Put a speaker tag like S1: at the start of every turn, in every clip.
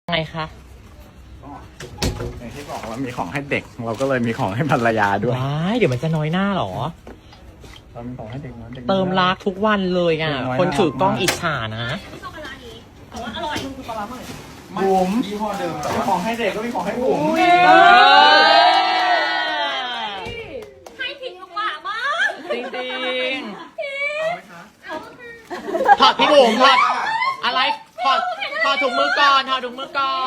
S1: ไงคะ
S2: อย่างที่บอกว่ามีของให้เด็กเราก็เลยมีของให้ภรรยาด้วย
S1: ว้ายเดี๋ยวมันจะน้อยหน้าหรอ
S2: เรามีของให้เด็กนะเด็ก
S1: เติมรักทุกวันเลยอ่ะ
S2: เด็กน้อย
S1: คนถือกล้องอิจฉานะ
S2: บุ๋มยี่ห้อเดิมแต่ว่าของให้เด็กก็มีของให้บุ๋ม
S3: ให้ทิ้งลงมามาก
S1: จริงจริงถอดพี่บุ๋มถอดอะไรถอดถุงมือก่อนถอดถุงมือก่อน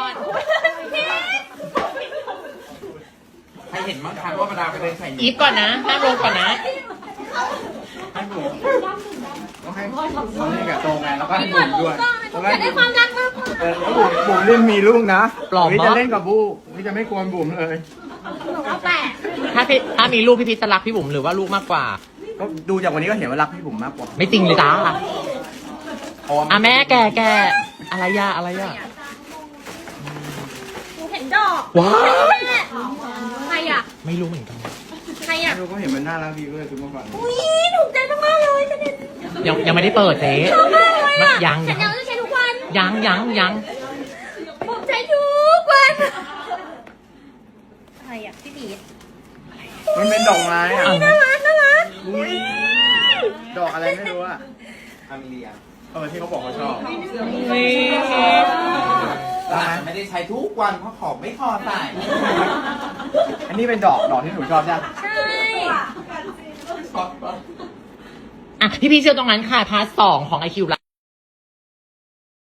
S4: ใครเห็นบ้างคะว่าประดาไปเดินใส่
S1: อีฟก่อนนะนั่งลงก่อนนะ
S2: ให้บุ๋มต้องให้ต้องให้กับโตไงแล้วก็ให้บุ๋มด้วยแล้ว
S3: อยากได้ความรักมากกว่า
S2: แล้วบุ๋มเล่นมีลูกนะ
S1: ปลอม
S2: นี่
S1: ปะ
S2: จะเล่นกับบูนี่จะไม่กวนบุ๋มเลย
S3: หนูเอาแปะ
S1: ถ้ามีลูกพี่พีชจะรักพี่บุ๋มหรือว่าลูกมากกว่า
S2: ก็ดูจากวันนี้ก็เห็นว่ารักพี่บุ๋มมากกว่า
S1: ไม่จริงเลยจ้า
S2: เพราะว่า
S1: อ่ะแม่แกอะไรย่าอะไรย่า
S3: หนูเห็นดอก
S1: ว้าว
S3: ใครอ่ะ
S1: ไม่รู้เหมือนกัน
S3: ใครอ่ะ
S2: ดูก็เห็นมันน่ารักดีก็เลยซื้อมาฝาก
S3: อุ้ยถูกใจมากๆเลยจะเด็ด
S1: ยังไม่ได้เปิดเจ๊
S3: ชอบมากเลยอ่ะ
S1: ยัง
S3: ฉันยังจะใช้ทุกวัน
S1: ยัง
S3: ผมใช้ทุกวันใครอ่ะพี่บีด
S2: มันเป็นดอกไม้อ่ะ
S1: อ่ะ
S3: น่ารักน่ารัก
S2: อุ๊ยดอกอะไรไม่รู้อ่ะ
S4: อามิเลีย
S2: ที่เขาบอกเขาชอบ
S1: นี่
S4: เราอาจจะไม่ได้ใช้ทุกวันเพราะของไม่พอใส่
S2: อันนี้เป็นดอกที่หนูชอบใช่ไหม
S3: ใช่
S1: อ่ะพี่พีชเชื่อตรงนั้นค่ะพาร์ท 2ของ IQ